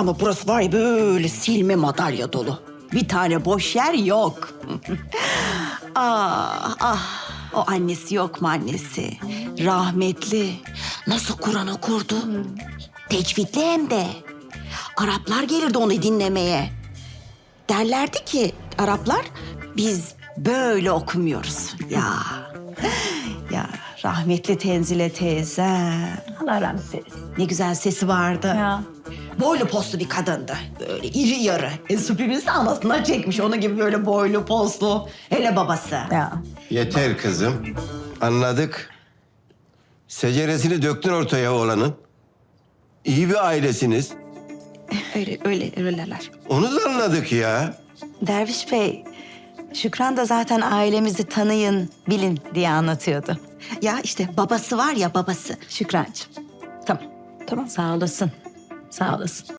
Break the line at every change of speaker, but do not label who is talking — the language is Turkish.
Ama burası var ya böyle silme madalya dolu. Bir tane boş yer yok. Ah ah, o annesi yok mu annesi? Rahmetli. Nasıl Kur'an okurdu? Tecvidli hem de. Araplar gelirdi onu dinlemeye. Derlerdi ki Araplar biz böyle okumuyoruz. Ya rahmetli Tenzile teyze.
Allah rahmet eylesin.
Ne güzel sesi vardı.
Ya.
Boylu postlu bir kadındı. Böyle iri yarı. Süpürgesi de anasından çekmiş. Onun gibi böyle boylu postlu. Hele babası.
Ya.
Yeter kızım. Anladık. Seceresini döktün ortaya oğlanın. İyi bir ailesiniz.
Öyleler.
Onu da anladık ya.
Derviş Bey, Şükran da zaten ailemizi tanıyın, bilin diye anlatıyordu.
Ya işte babası var ya babası.
Şükrancığım. Tamam, tamam. Sağ olasın. Sağ olasın.